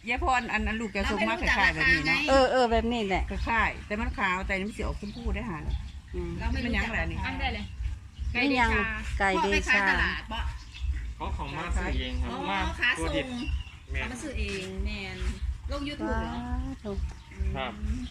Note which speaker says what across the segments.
Speaker 1: ยาพรอันลูกจะส่งมาคล้ายๆแบบนี้เนาะ
Speaker 2: แบบนี้แหละ
Speaker 1: คล้ายแต่มันขาวแต่นี่มันสีออกชมพูได้หา
Speaker 3: เราไม่รู้จักอะไรนี่ได้เลยไก่เดชา
Speaker 2: ไก่เดชา
Speaker 3: ตลาดบ่
Speaker 4: เขาของมาซื้อเองครับมา
Speaker 3: ขาส่งเขามาซื้อเองแมนลง YouTube เหรอ
Speaker 4: ครับ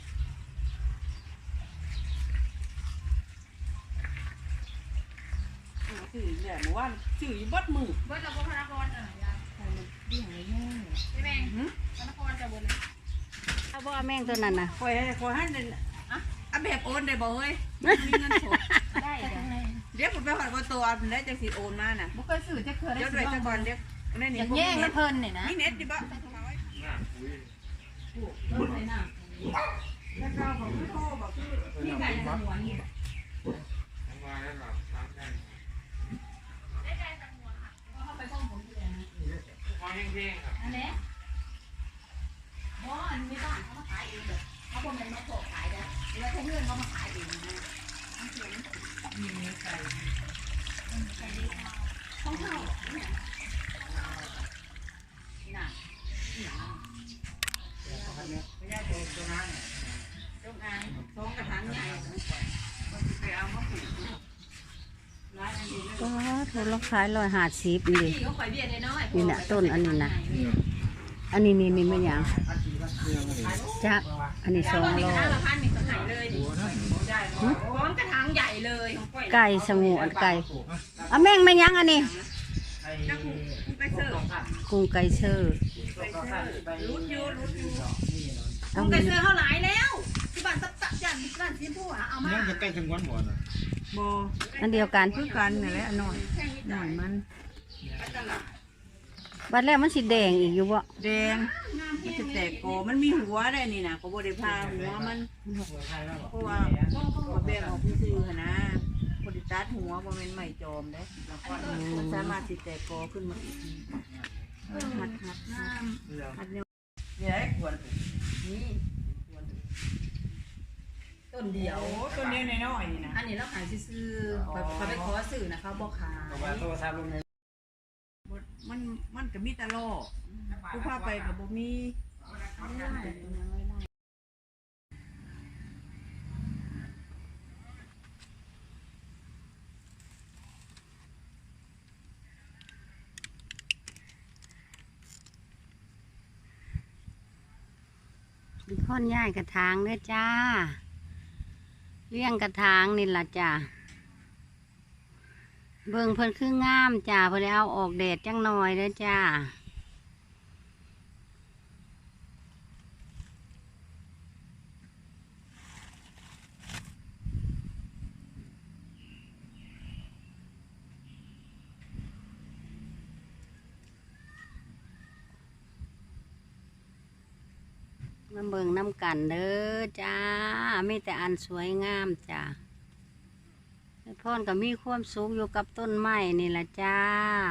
Speaker 1: สื่อเนี่ยหมู่ว่าสื่ออยู่บัดมือ
Speaker 3: บัดเราก็พนักงาน
Speaker 1: ดีหายแม่
Speaker 3: ใช่ไหมพนักงานจะบนเลย
Speaker 2: เอาบ่แม่งตัวนั้นน่ะ
Speaker 1: คอยให้อันแบบโอนได้บ่เฮ้ยมีเงินสด
Speaker 3: ได้
Speaker 1: เดี๋ยวผมไปหอดตัวได้จังสิโอนมาน่ะ
Speaker 3: บุกเคยสื่อจะเคยได้
Speaker 1: เดี๋ยวด้วยตะกอนเดี๋ยวนี่
Speaker 3: อย่างแย่งแล้วเพลินเนี่ยนะ
Speaker 1: นี่เน็ตดิบ่แล้วก็ของพี่โทบอกพี่ไก่สมวนนี่
Speaker 3: ได้ไก่สมวนค่ะเข้าไปห้องผมเลยนะ
Speaker 4: ของแห้งๆครับ
Speaker 3: อันนี้อันนี้บ้านเขามาขายเองเลยเขาบอกมันมาโผล่ขายได้แล้วเขาเพื่อนเขามาขายเองนะ
Speaker 1: มีไก่
Speaker 3: ต้องเข้า
Speaker 1: น่ะไม่ได้ตัวนั้นจงอางท้องกระถางใหญ่ไปเอามาปลูก
Speaker 2: ก็ถูกราคาย150นี่นี่น่ะต้นอันนี้นะอันนี้นี่ไม่ยังจ้ะอันนี้200
Speaker 3: กระถางใหญ่เลย
Speaker 2: ไก่สงวนไก่แม่งไม่ยังอันนี้กุ้งไก่เชื่อ
Speaker 3: รุดยูกุ้งไก่เชื่อเขาหลายแล้วที่บ้านตับจันบ้านซีผู้เอามา
Speaker 4: จะใกล้ถึงวันหมดอ่ะ
Speaker 1: โบ
Speaker 2: อันเดียวกัน
Speaker 1: คือกันนี่แหละหน่อยมัน
Speaker 2: บัดแล้วมันสีแดงอีกอยู่บ่
Speaker 1: แดงมันจะแตกโกมันมีหัวได้นี่นะก็บริพาหัวมันเพราะว่าแบ่งออกซื่อๆนะบริตัดหัวบ่เป็นใหม่จอมได้แล้วก็มันสามารถสิแตกโกขึ้นมาอีกทีหัดเนี่ยควรนี่ต้นเดียวต้นเดียวน้อยๆนี่นะ
Speaker 3: อันนี้เราขายซื้อไปขอสื่อนะเขาบอกขาย
Speaker 1: มันก็มีตลอดผู้พาไปกับบ่มี
Speaker 2: ค่อนย่ายกระถางเด้อจ้าเลี้ยงกระถางนี่ล่ะจ้าเบิ่งเพิ่นคืองามจ้าเพิ่นเอาออกแดดจังหน่อยเด้อจ้ามาเบิ่งน้ำกันเด้อจ้ามีแต่อันสวยงามจ้าพ่อนก็มีความสุขอยู่กับต้นไม้นี่แหละจ้า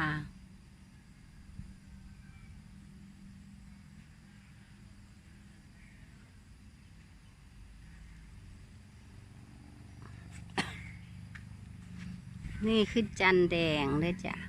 Speaker 2: นี่คือจันแดงเลยจ้ะ